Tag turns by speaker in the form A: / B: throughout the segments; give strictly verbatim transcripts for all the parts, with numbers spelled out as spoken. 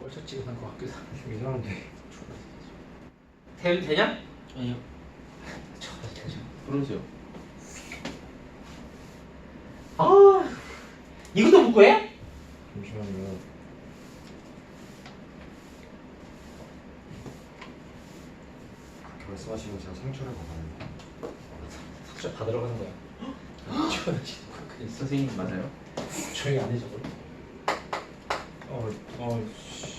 A: 뻘짝지근한 것 같기도 하고
B: 좀 이상한데.
A: 되, 되냐?
C: 아니요.
A: 저거 되죠.
C: 그러죠.
A: 아 이것도 못 구해?
B: 잠시만요.
D: 그렇게 말씀하시면 제가 상처를 받아요.
A: 숙제 받으러 가는 거야. 저거
C: 네, 선생님 맞아요?
A: 조용히 안 해줘.
B: 어, 어, 씨.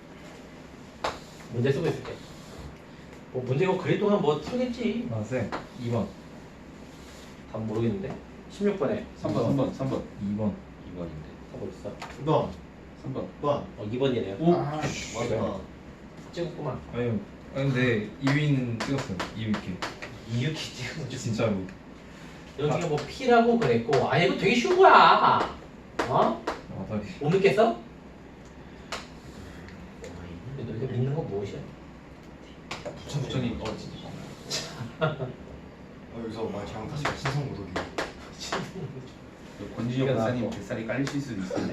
A: 문제 쓰고 있을게. 뭐 문제 이거 그릴 동안 뭐 틀겠지.
B: 아, 쌤. 이 번.
A: 답 모르겠는데. 십육 번에
C: 삼 번, 삼 번, 삼 번.
B: 이 번.
C: 이 번인데.
A: 하고 있어.
D: 이 번,
C: 삼 번.
D: 번.
A: 어 이 번이네요.
C: 오.
D: 아, 맞아.
A: 찍었구만.
B: 아니요. 아, 근데 이 위는 찍었어요. 이 위 이렇게.
A: 이유키 찍은 거지.
B: 진짜로.
A: 여기가 뭐 P라고 그랬고 아 이거 되게 쉬운 거야. 어?
B: 와다리.
A: 못 믿겠어? 너희가 믿는 건 무엇이야?
C: 부천부천이 어 진짜.
D: 어, 여기서 말 잘못하시면 신성 모독이.
C: 권지영
A: 이거
C: 박사님
A: 나왔고.
C: 뱃살이 깔리실 수도 있는데.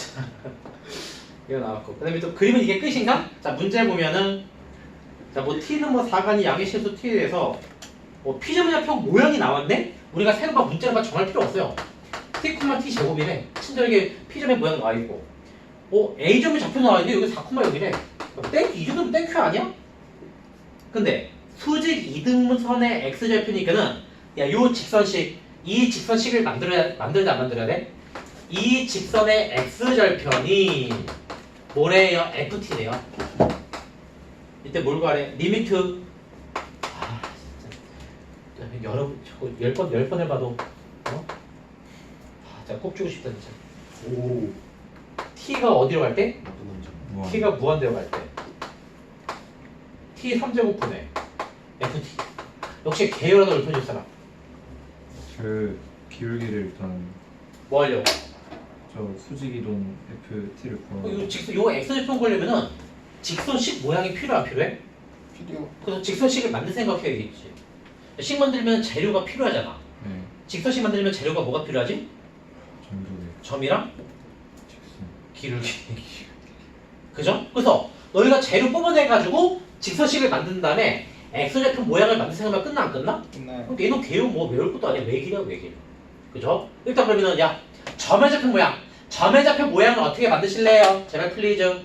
A: 이거 나왔고 그 다음에 또 그림은 이게 끝인가? 자 문제 보면은 자뭐 T는 뭐 사간이 양의 실수 T에 대해서 뭐 P제곱좌표 모양이 나왔네? 우리가 새로 막 문자를 막 정할 필요 없어요. T, T 제곱이래. 친절하게 P점의 모양 나와 있고 어 A점의 좌표 나와 있는데 여기 사, 여기래. 땡 이 정도면 땡큐 아니야? 근데 수직 이등분선의 X좌표니까는 야 요 직선식 이 직선식을 만들어야 만들자 안 만들어야 돼? 이 직선의 X절편이 뭐래요? 에프티래요. 이때 뭘 구하래? 리미트. 아 진짜 여러 저거 열 번 열 번을 봐도 어? 아 진짜 꼭 주고 싶다 진짜.
D: 오.
A: T가 어디로 갈 때?
D: 나쁜 남자.
B: 무한.
A: T가 무한대로 갈 때. T 삼 제곱분의 에프티. 역시 계열하나 넓혀줄 사람.
B: 그 기울기를 일단
A: 뭐 하려고?
B: 저 수직이동 에프티를
A: 어,
B: 구하는.
A: 요 직선 요 X절편 걸려면은 직선식 모양이 필요 안 필요해?
D: 필요.
A: 그래서 직선식을 만들 생각해야겠지. 식 만들면 재료가 필요하잖아.
B: 네.
A: 직선식 만들면 재료가 뭐가 필요하지?
B: 정도의
A: 점이랑
B: 직선.
A: 기울기. 그죠? 그래서 너희가 재료 뽑아내가지고 직선식을 만든 다음에 X절편 모양을 만들 생각하면 끝나 안 끝나?
D: 끝나요.
A: 그럼 얘는 개요 뭐 외울 것도 아니야. 외길이야 외길. 그죠? 일단 그러면은 야 점의 좌표 모양. 점의 좌표 모양을 어떻게 만드실래요? 제발 플리즈.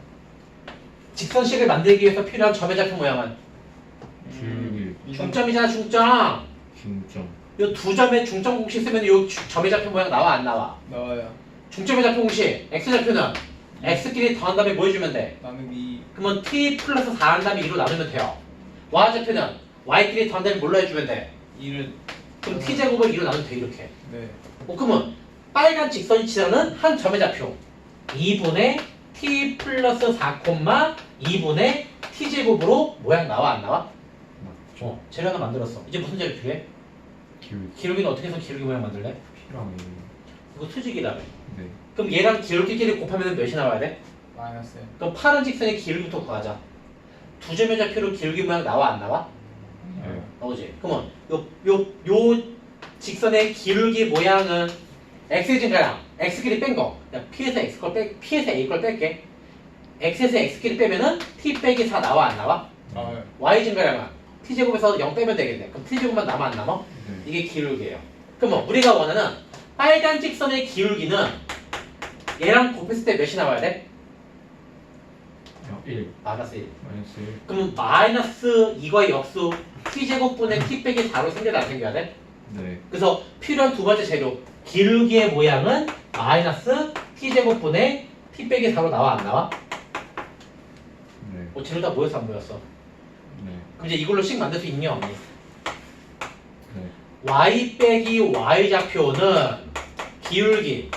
A: 직선식을 만들기 위해서 필요한 점의 좌표 모양은
B: 기울기
A: 중점이잖아 중점.
B: 중점.
A: 요 두 점의 중점 공식 쓰면 요 주- 점의 좌표 모양 나와 안 나와?
E: 나와요.
A: 중점의 좌표 공식 x 좌표는 x끼리 더한 다음에 뭐 해주면 돼?
E: 나누기
A: 그러면 t 플러스 사 한 다음에 이로 나누면 돼요. y 좌표는 y끼리 더한 다음에 뭘로 해주면 돼?
E: 이를
A: 그럼 t 제곱을 이로 나누면 돼 이렇게.
E: 네.
A: 어, 그러면 빨간 직선이 치라는 한 점의 좌표 이분의 t 플러스 사, 이분의 t 제곱으로 모양 나와 안 나와?
B: 맞죠.
A: 어, 재료 하나 만들었어. 이제 무슨 재료 필요해?
B: 기울기
A: 기울기는 어떻게 해서 기울기 모양 만들래?
B: 필요하네.
A: 이거 수직이라며.
B: 네.
A: 그럼 얘랑 기울기끼리 곱하면 몇이 나와야 돼?
E: 마이너스
A: 그럼 파란 직선의 기울기부터 구하자. 두 점의 좌표로 기울기 모양 나와 안 나와?
B: 네.
A: 나오지. 그러면 요 요 요 직선의 기울기 모양은 x의 증가량 x끼리 뺀 거. 야, p에서 x 걸 빼, p에서 a 걸 뺄게. x에서 x끼리 빼면은 t 빼기 사 나와 안 나와?
E: 나와요.
A: y 증가량은 t 제곱에서 영 빼면 되겠네. 그럼 t 제곱만 남아 안 남아?
B: 네.
A: 이게 기울기예요. 그러면 우리가 원하는 빨간 직선의 기울기는 얘랑 곱했을 때 몇이 나와야 돼?
B: 어, 일.
A: 마이너스 일.
B: 마이너스 일.
A: 그럼 마이너스 이거의 역수 t제곱분의 t 빼기 사로 생겨야 안 생겨야 돼?
B: 네.
A: 그래서 필요한 두 번째 재료 기울기의 모양은 마이너스 t제곱분의 t 빼기 사로 나와 안 나와?
B: 네.
A: 뭐 재료 다 모였어 안 모였어?
B: 네.
A: 그럼 이제 이걸로 식 만들 수 있니 없니?
B: 네.
A: y 빼기 y 좌표는 기울기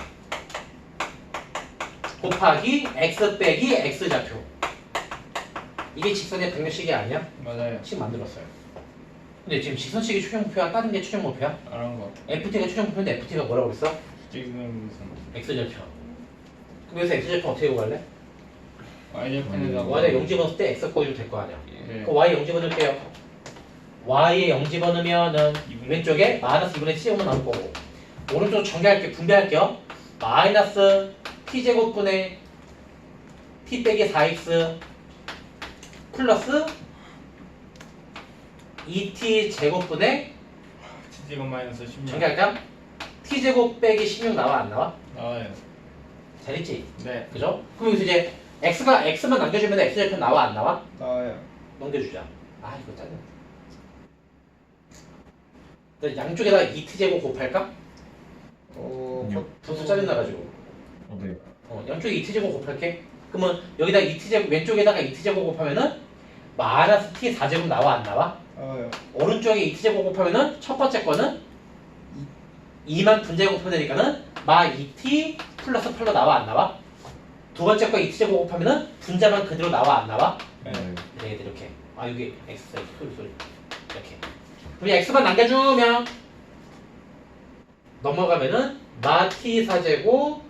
A: 곱하기 x 빼기 x 좌표. 이게 직선의 백렬식이 아니야?
E: 맞아요.
A: 식 만들었어요. 근데 지금 직선식이 최종 목표야? 다른 게 최종 목표야?
E: 알은 거.
A: 에프티가 최종 목표인데 에프티가 뭐라고 그랬어?
E: 지금 무슨
A: x절편. 그럼 여기서 x절편 어떻게 구할래?
E: y좌표에다가
A: y에 영 집어넣을 때 x 꼴이 될 거 아니야.
E: 네.
A: 그럼 y에 영 집어넣을게요. y에 영 집어넣으면은 왼쪽에 마이너스 이분의 t제곱만 나올 거고 오른쪽 전개할게 분배할게요. 마이너스 t제곱분의 t 빼기 사 엑스 플러스 이 티 제곱분의
E: t제곱 마이너스 십육
A: 정리할까? t제곱 빼기 십육 나와 안 나와?
E: 나와요.
A: 잘했지?
E: 네,
A: 그죠? 그럼 여기서 이제 x가 x만 남겨주면 x절편 나와 안 나와?
E: 나와요.
A: 넘겨주자. 아 이거 짜증. 나 양쪽에다가 이 티 제곱 곱할까?
E: 어,
B: 음.
A: 분수 짜증 나가지고.
B: 어, 네.
A: 어, 양쪽에 이 티 제곱 곱할게. 그러면 여기다 이 티 제곱 왼쪽에다가 이 티 제곱 곱하면은 마이너스 t 사 제곱 나와 안 나와?
E: 나와요.
A: 오른쪽에 이 티 제곱 곱하면은 첫 번째 거는 이만 분자 곱하면 되니까는 마 이 티 플러스 팔로 나와 안 나와? 두 번째 거 이 티 제곱 곱하면은 분자만 그대로 나와 안 나와?
E: 네.
B: 네.
A: 네, 이렇게. 아 여기 x 소리 소리 이렇게. 그럼 x만 남겨주면 넘어가면은 마 t 사 제곱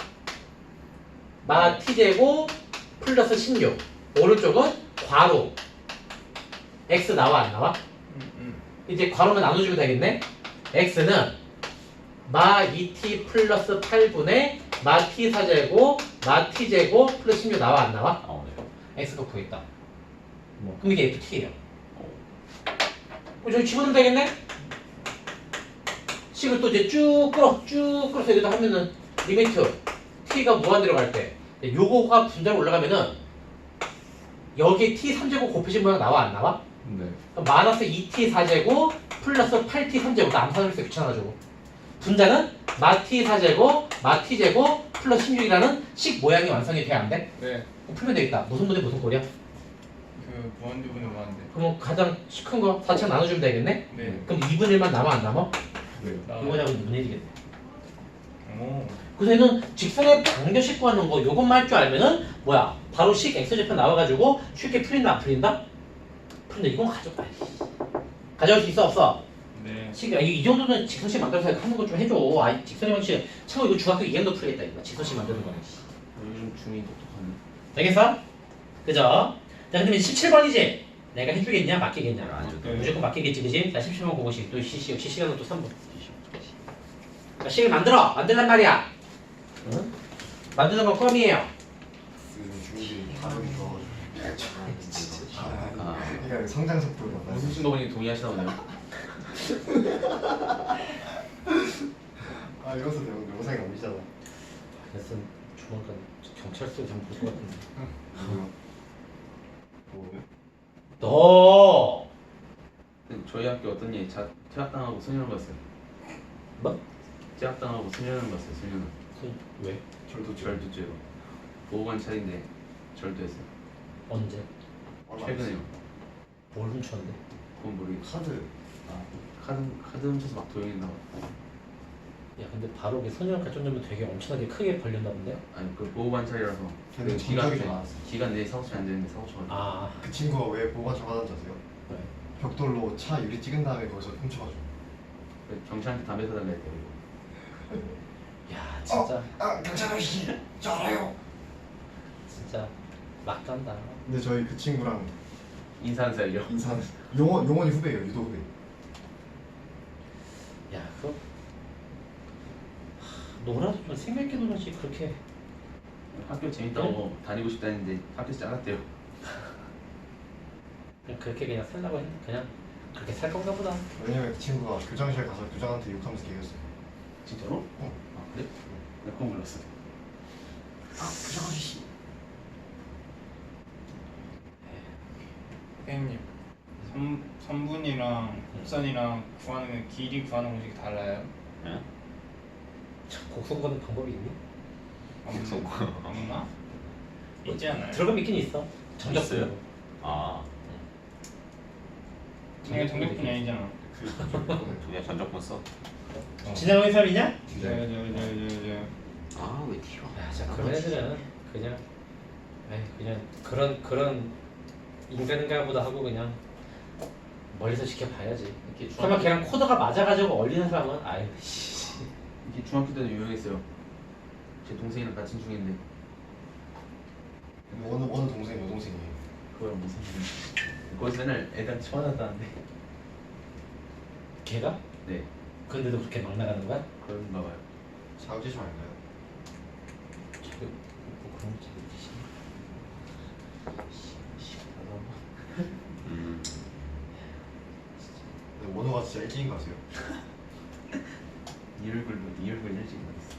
A: 마 t 제곱 플러스 십육. 오른쪽은 괄호 x 나와 안 나와?
E: 음, 음.
A: 이제 괄호만 나눠주면 되겠네. x는 마 이 티 플러스 팔분의 마 t 사 제곱 마 t 제곱 플러스 십육 나와 안 나와?
C: 아 네.
A: x가 구했다.
B: 뭐.
A: 그럼 이게 에프티예요. 어, 저기 집어넣으면 되겠네? 식을 또 이제 쭉 끌어, 쭉 끌어서 여기다 하면은 리미트 t가 무한대로 갈 때 요거가 분자로 올라가면은 여기 t 삼 제곱 곱해진 모양 나와 안 나와?
B: 네.
A: 그럼 마이너스 이 티 사 제곱 플러스 팔 티 삼 제곱 나 암산할 때 귀찮아가지고 분자는 마 t 사 제곱 마 t 제곱 플러스 십육이라는 식 모양이 완성이 돼야 안 돼?
E: 네,
A: 그럼 풀면 되겠다. 무슨 분의 무슨 꼴이야?
E: 그 무한대분의 무한대.
A: 그럼 가장 큰 거 사천 나눠주면 되겠네?
E: 네,
A: 그럼 이분의 일만 남아 안 남아?
B: 네.
A: 이거
E: 나와요.
A: 잡으면 이분의 일이겠네.
E: 오,
A: 그래서 얘는 직선의 방정식 구하는 거 요것만 할 줄 알면은 뭐야 바로 식 x절편 나와가지고 쉽게 풀린다 안 풀린다? 풀린다. 이건 가져가. 가져갈 수 있어 없어?
E: 네.
A: 식, 아, 이, 이 정도는 직선식 만들어서 하는 거 좀 해줘. 아 직선의 방식 참고 이거 중학교 이 학년도 풀겠다 이거 직선식 만드는 거는.
C: 요즘 중이 똑똑하네.
A: 되겠어? 그죠? 자 그러면 십칠 번이지? 내가 해주겠냐 맡기겠냐?
C: 안 해도
E: 돼.
A: 무조건 맡기겠지 그지? 자 십칠 번 그것이 또 시시 역시 시간은 또 삼 분. 자 식을 만들어! 만들란 말이야. 응? 만드는 건 껌이에요.
D: 요즘 중국이 발음이 좋아가지고
C: 아.
D: 그러니까 성장 속도가 많아요.
C: 무슨 분이 동의하시나 보네요.
D: 아 이것도 영- 영상이 올리잖아.
A: 그래서 조만간 경찰서에 한번 볼 것 같은데.
D: 뭐요? 뭐요?
A: 너
C: 근데 저희 학교 어떤 애 자, 퇴학당하고 소년원 갔어요.
A: 뭐?
C: 퇴학당하고 소년원 갔어요. 소년원.
A: 왜?
C: 절도 절도죄로. 보호관찰인데 절도했어요.
A: 언제?
D: 얼마 안
C: 최근에요.
A: 뭘 훔쳤는데?
C: 그건 모르겠어.
D: 카드.
C: 아, 카드 카드 훔쳐서 막 도용했나 봐.
A: 야 근데 바로 그 소년 발전되면 되게 엄청나게 크게 벌렸나 본데?
C: 아니 그 보호관찰이라서
D: 근데
C: 그 기간
D: 정적이
C: 내
D: 많았어.
C: 기간 내에 사고 치면 안 되는데 사고 쳐가지고.
A: 아
D: 그 친구가 왜 보호관찰 받았는지 아세요?
A: 왜?
D: 벽돌로 차 유리 찍은 다음에 거기서 훔쳐가지고.
C: 그래서 경찰한테 담배 사달라 했대요.
A: 야 진짜
D: 아 경찰 아저씨 저 알아요.
A: 진짜 막 간다.
D: 근데 저희 그 친구랑
C: 인사는 살려.
D: 인사 용원 용원이 후배예요. 유도 후배.
A: 야 그거 하, 놀아도 좀 생각있게 놀아지 그렇게.
C: 학교 재밌다고 다니고 싶다는데 학교에서 잘랐대요.
A: 그냥 그렇게 그냥 살라고 했 그냥 그렇게 살 건가 보다.
D: 왜냐면 그 친구가 교장실 가서 교장한테 욕하면서 개겼어요.
C: 진짜로?
D: 어.
C: 아 그래? 나 그건 몰랐어.
D: 아 교장 아저씨.
E: 선생님, 삼, 삼분이랑 곡선이랑 구하는 길이 구하는 공식이 달라요?
C: 예?
A: 참, 곡선 거는 방법이 있니?
E: 없는 없나? 있지 않아요?
A: 들어가면 있긴 있어. 정적
C: 있어요?
A: 분으로.
C: 아
E: 이게 정적분이 아니잖아.
C: 그냥 전적분 써?
A: 진행하는 사람이냐?
E: 네, 네, 네, 네, 네.
C: 아왜 튀어?
A: 야, 진짜 그런 애들은 그냥, 에이, 그냥 그런 그런 인간인가보다 하고 그냥 멀리서 지켜봐야지.
C: 이렇게
A: 설마
C: 중학교,
A: 걔랑 코드가 맞아가지고 얼리는 사람은 아유 씨.
C: 이렇게 중학교 때도 유명했어요. 제 동생이랑 같은 중인데
D: 어느 어느 동생 여동생이에요.
C: 그거랑 무슨 거기서 맨날 애들한테 쳐맞았다는데.
A: 걔가?
C: 네
A: 근데도 그렇게 막 나가는 거야?
C: 그런가 봐요.
D: 자우지심 아닌가요?
A: 저기 뭐 그런 짓 있지.
D: 일기인 거 아세요?
C: 이 얼굴로 이 얼굴 일찍 나왔어.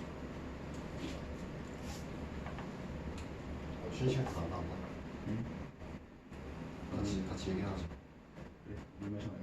D: 어, 쉬는 시간 다안 나왔나?
C: 응?
D: 같이 같이 얘기하자.
C: 그래, 물 마셔봐요.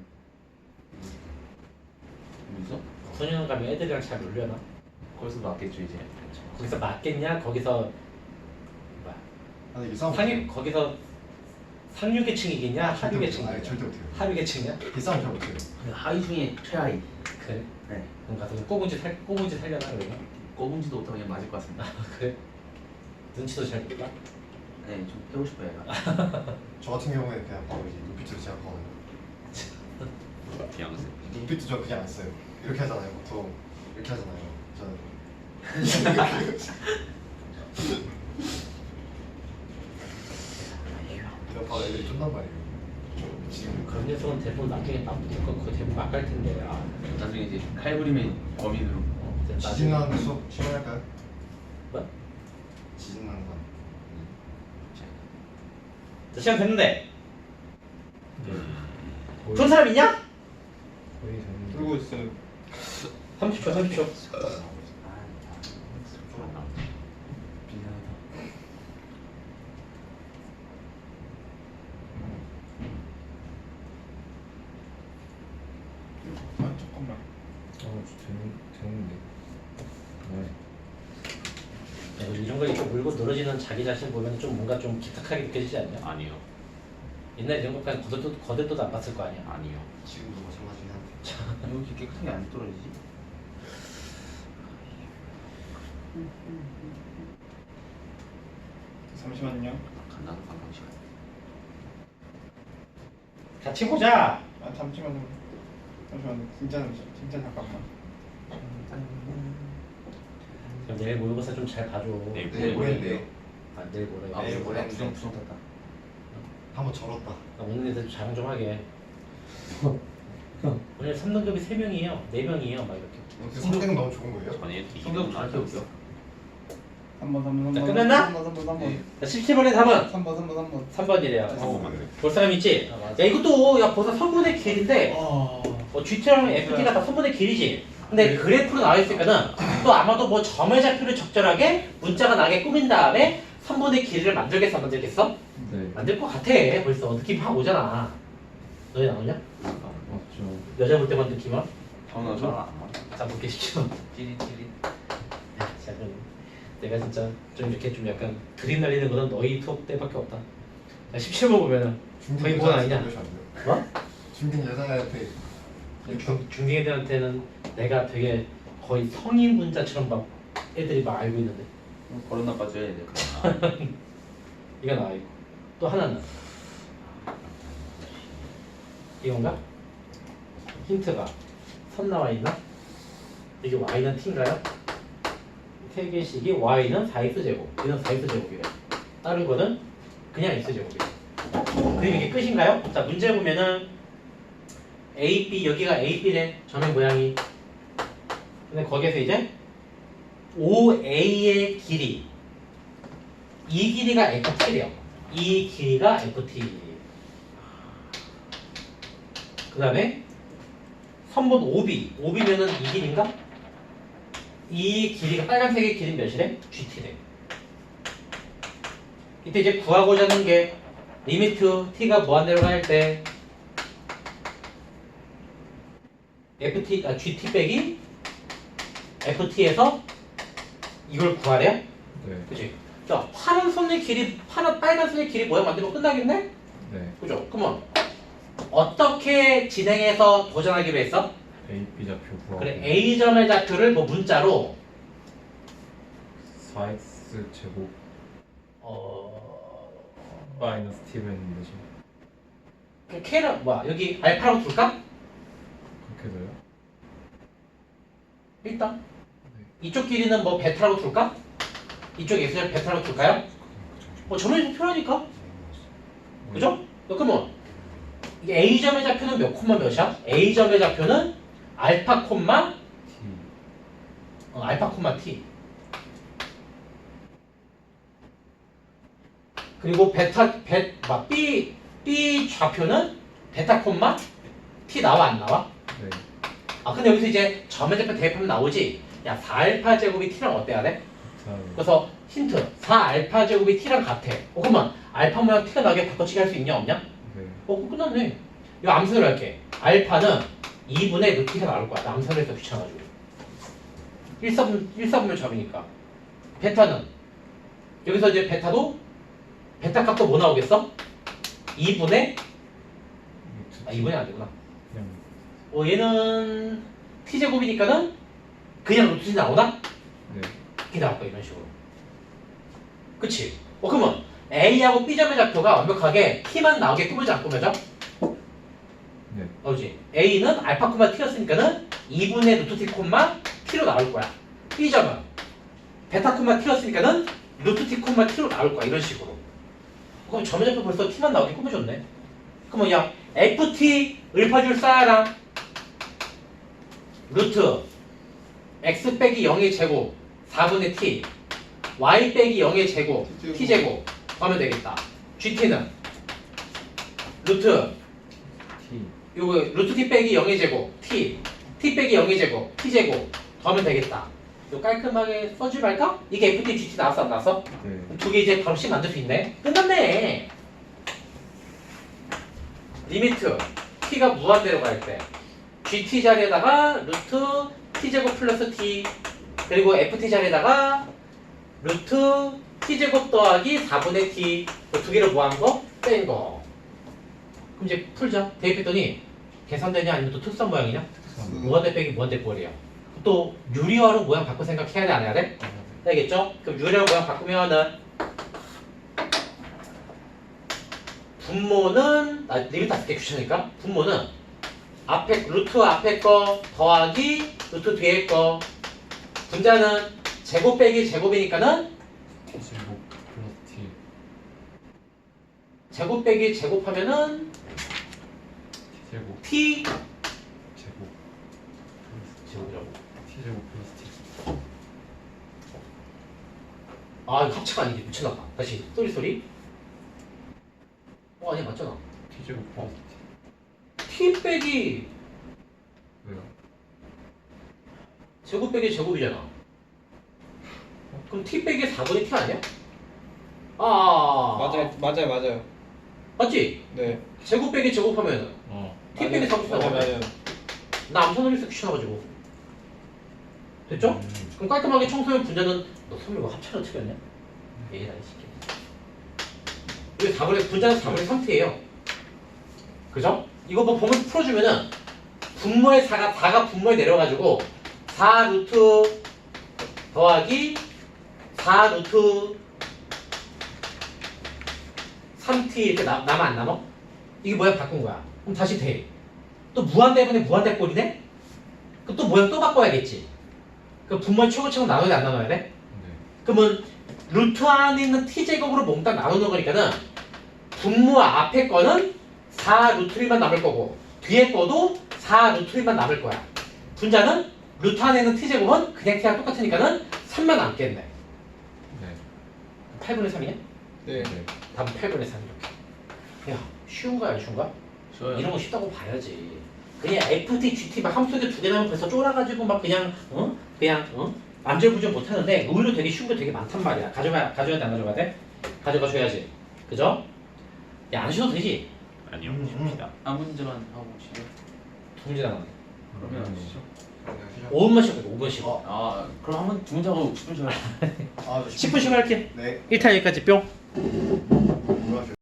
C: 뭐 있어?
A: 소년 가면 애들이랑 잘 놀려나?
C: 거기서 맞겠죠 이제.
A: 거기서 맞겠냐? 거기서 뭐야?
D: 아니 이게 싸움
A: 상위 거기서 상류계층이겠냐? 하류계층이겠냐?
D: 아니 절대 못해요.
A: 하류계층이야?
D: 이 싸움 잘 못해요.
C: 하위 중에 최하위.
A: 그래?
C: 네.
A: 그럼 가서 꼬문지 살 꼬문지 살려나 그러면?
C: 꼽은지도 못하고 그냥 맞을 것 같습니다.
A: 그래? 눈치도 잘 볼까?
C: 네, 좀 해고 싶어요. 얘가.
D: 저 같은 경우에 그냥 바로 이제 눈빛으로 시작하거든요.
C: 비앙세.
D: 눈빛도 저 그냥 안 써요. 이렇게 하잖아요. 보통 이렇게 하잖아요. 저는 이런 바로 애들이 쫀단 말이에요. 지금
A: 그런 녀석은 대부분 나중에 딱 붙을 거 그거 대부분 막갈 텐데. 아,
C: 나중에 이제 칼부림의 범인으로.
A: 어, 이제 나중에-
D: 지진 나는 수업 시간할까요?
A: 뭐?
D: 지진 나는 거.
A: 자, 시간 됐는데.
B: 거의,
A: 돈 사람 있냐?
B: 거의 됐는데.
E: 들고 있어요.
A: 삼십 초, 삼십 초.
E: 아 잠깐만.
B: 어, 되는, 되는데. 네.
A: 야, 이런 거 이렇게 물고 늘어지는 자기 자신 보면 좀 뭔가 좀 기특하게 느껴지지 않냐?
C: 아니요.
A: 옛날 이런 것까지 거들떠, 거들떠도 안 봤을 거 아니야?
C: 아니요.
D: 지금도 마찬가지긴 한데.
C: 왜 이렇게 깨끗하게 안 떨어지지?
E: 잠시만요.
C: 간단한 관광 시간.
A: 같이 보자.
E: 아 잠시만요. 잠시만요. 진짜 잠시 진짜 잠깐만.
A: 그럼 내일 모의고사 좀 잘 봐줘.
C: 내일
D: 내일 모레인데요.
A: 아, 내일 모레.
C: 아,
D: 내일
C: 내일
D: 모레
C: 모레 부정 부정 탔다.
D: 한번 절었다.
A: 나 오늘 애들 자랑 좀 하게. 오늘 삼 등급이 세 명이에요. 네 명이에요. 막 이렇게.
D: 성격 너무 좋은 거예요?
C: 아니 성격 나한테 웃겨.
E: 삼 번, 삼 번, 삼 번.
A: 자, 끝났나?
E: 삼 번, 삼 번, 삼 번.
A: 자, 십칠 번에 삼 번.
E: 삼 번, 삼 번, 삼 번.
A: 삼 번이래요.
C: 어, 맞네.
A: 볼 사람 있지? 야, 이것도 야 벌써 선분의 길인데 어, 지티랑 에프티가 다 선분의 길이지. 근데 그래프로 나와 있으니까는 또 아마도 뭐 점의 좌표를 적절하게 문자가 나게 꾸민 다음에 선분의 길이를 만들겠어 안 만들겠어?
B: 네.
A: 만들 것 같아. 벌써 느낌 확 오잖아. 너희 나오냐?
B: 맞죠.
A: 여자 볼 때만 느낌 와?
C: 저는 저는 안 맞아.
A: 자 볼게 시켜.
C: 찌릿 찌릿.
A: 야, 자 그럼 내가 진짜 좀 이렇게 좀 약간 드림 날리는 거는 너희 투업 때밖에 없다. 자 십칠 번 보면은 거의 뭐가 아니냐? 뭐?
D: 중딩 여자한테
A: 중, 중딩 애들한테는 내가 되게 거의 성인 문자처럼 막 애들이 막 알고 있는데
C: 버릇 나빠져야 돼.
A: 이거 나와 있고 또 하나는 이건가? 힌트가 선 나와 있나? 이게 y는 t인가요? 세 개씩이 y는 사 x 제곱 얘는 사 x 제곱이래. 다른 거는 그냥 x 제곱이래. 그럼 이게 끝인가요? 자 문제 보면은 A, B 여기가 A, B래 점의 모양이. 근데 거기에서 이제 오 에이의 길이 이 길이가 에프티래요. 이 길이가 에프티. 그 다음에 선분 오비 오비면은 이 길인가? 이 길이가 빨간색의 길이 몇이래? 지티래. 이때 이제 구하고자 하는 게 리미트 t가 무한대로 갈 때 ft 아 gt 빼기 ft에서 이걸 구하래요?
B: 네.
A: 그치? 자 파란 선의 길이 파란 빨간 선의 길이 모양 만들면 끝나겠네?
B: 네.
A: 그죠? 그러면 어떻게 진행해서 도전하기로 했어?
B: A, B 좌표 구하고.
A: 그래 A점의 좌표를 뭐 문자로
B: 사 엑스 제곱
A: 어...
B: 마이너스 t로 했는데 지금.
A: 그 K는 뭐야 여기 알파로 둘까?
B: 그렇게 돼요?
A: 일단 이쪽 길이는 뭐 베타로 둘까? 이쪽 X를 베타로 둘까요? 뭐 점에서 표현하니까 그죠? 그러면 이게 A점의 좌표는 몇 콤마 몇이야? A점의 좌표는 알파 콤마
B: t.
A: 어, 알파 콤마 t 그리고 베타 베 막 B B 좌표는 베타 콤마 t 나와 안 나와?
B: 네.
A: 아 근데 여기서 이제 점의좌표 대입하면 나오지. 야 사 알파 제곱이 t랑 어때야 돼?
B: 자,
A: 그래서 힌트 사 알파 제곱이 t랑 같아. 어 그러면 알파 모양 t가 나게 바꿔치기 할 수 있냐 없냐?
B: 네.
A: 어 그럼 끝났네. 이거 암산을 할게. 알파는 이분의 루트가 나올 거야. 나 암산을 해서 귀찮아가지고. 일 사분, 일 사분면 잡이니까. 베타는 여기서 이제 베타도 베타 값도 뭐 나오겠어? 이분의 아 이분이 안 되구나.
B: 그냥
A: 어 얘는 t제곱이니까는 그냥 루트이 나오나?
B: 네.
A: 이렇게 나올 거야 이런 식으로. 그치? 어 그러면 A하고 B점의 좌표가 완벽하게 t만 나오게 꾸며져 안 꾸며져?
B: 네.
A: 나오지? A는 알파 콤마 t였으니까는 이분의 루트 t 콤마 t로 나올 거야. B점은 베타 콤마 t였으니까는 루트 t 콤마 t로 나올 거야 이런 식으로. 그럼 점의 좌표 벌써 t만 나오게 꾸며줬네. 그러면 야 ft 을파줄 쌓아라. 루트 x 빼기 영의 제곱 사분의 t y 빼기 영의 제곱 t제곱 하면 되겠다. gt는 루트
B: T.
A: 요거 루트 t 빼기 영의 제곱 t t 빼기 영의 제곱 t제곱 하면 되겠다. 요 깔끔하게 써주지 말까? 이게 ft gt 나왔어 안 나왔어?
B: 네.
A: 두 개 이제 바로 씩 만들 수 있네. 끝났네. 리미트 t가 무한대로 갈 때 gt 자리에다가 루트 t제곱 플러스 t 그리고 ft 자리에다가 루트 t제곱 더하기 사분의 t 두 개를 뭐한 거? 뺀 거. 그럼 이제 풀자. 대입했더니 계산되냐 아니면 또 특수한 모양이냐? 무한대 빼기 무한대 꼴이에요. 또 유리화로 모양 바꿔 생각해야 돼 안 해야 돼? 알겠죠? 그럼 유리화 모양 바꾸면은 분모는 나 리미트 다 쓸게 귀찮으니까 분모는 앞에 루트 앞에 거 더하기 루트 뒤에 거 분자는 제곱 빼기 제곱이니까는
B: T제곱 플러스 T.
A: 제곱 빼기 제곱하면은
B: T제곱
A: t
B: 제곱
A: 제곱이라고.
B: T제곱 플러스 T.
A: 아 이거 합체가 아니지 미쳤나봐. 다시 쏘리 쏘리. 어 아니 맞잖아.
B: T제곱 플러스 T.
A: t 빼기
B: 왜요?
A: 제곱 빼기 제곱이잖아. 그럼 t 빼기 사분의 t 아니야? 아
E: 맞아요, 맞아요, 맞아요.
A: 맞지?
E: 네.
A: 제곱 빼기 제곱하면은
B: 어.
A: t 빼기 사분의
E: 맞아요,
A: 나오네.
E: 맞아요.
A: 나 암산을 해서 귀찮아가지고. 됐죠?
B: 음.
A: 그럼 깔끔하게 청소년 분자는 너 선물 뭐 합체로 틀렸냐? 얘나 이 새끼. 이게 사분의 분자는 사분의 삼 t예요. 그죠? 이거 뭐 보면서 풀어주면은 분모의 사가 사가 분모에 내려가지고 사 루트 더하기 사 루트 삼 t 이렇게 나, 남아 안 남아? 이게 모양 바꾼 거야. 그럼 다시 대. 또 무한대분의 무한대 꼴이네? 그럼 또 모양 또 바꿔야겠지. 그 분모의 최고치고 나눠야 돼 안 나눠야 돼?
B: 네.
A: 그러면 루트 안에 있는 t제곱으로 몽땅 나누는 거니까는 분모 앞에 거는 사 루트 일만 남을 거고 뒤에 거도 사 루트 일만 남을 거야. 분자는 루트 안에 있는 t제곱은 그냥 t랑 똑같으니까는 삼만 남겠네.
B: 네.
A: 팔분의 삼이냐?
E: 네.
B: 네.
A: 답은 팔분의 삼 이렇게. 야 쉬운 거야 안 쉬운 거야?
C: 좋아요.
A: 이런 거 쉽다고 봐야지. 그냥 ft, gt 막 함수에 두 개 나오면 벌써 쫄아가지고 막 그냥 어? 그냥 어? 안절부절 못하는데 의외로 되게 쉬운 거 되게 많단 말이야. 가져가 가져야 돼 안 가져가야 돼? 가져가 줘야지. 그죠? 야 안 쉬어도 되지?
C: 아니요.
D: 음, 음.
C: 쉽니다. 한 문제만 하고 시죠.
A: 두 문제 남았네.
C: 그러면
B: 음.
C: 아시죠?
A: 오 분만 쉬어. 오 분 쉬어.
C: 아, 그럼 한번 두 문제 하고 십 분 쉬어요.
D: 아,
A: 십 분 쉬고 할게.
D: 네.
A: 일 탄 여기까지 뿅.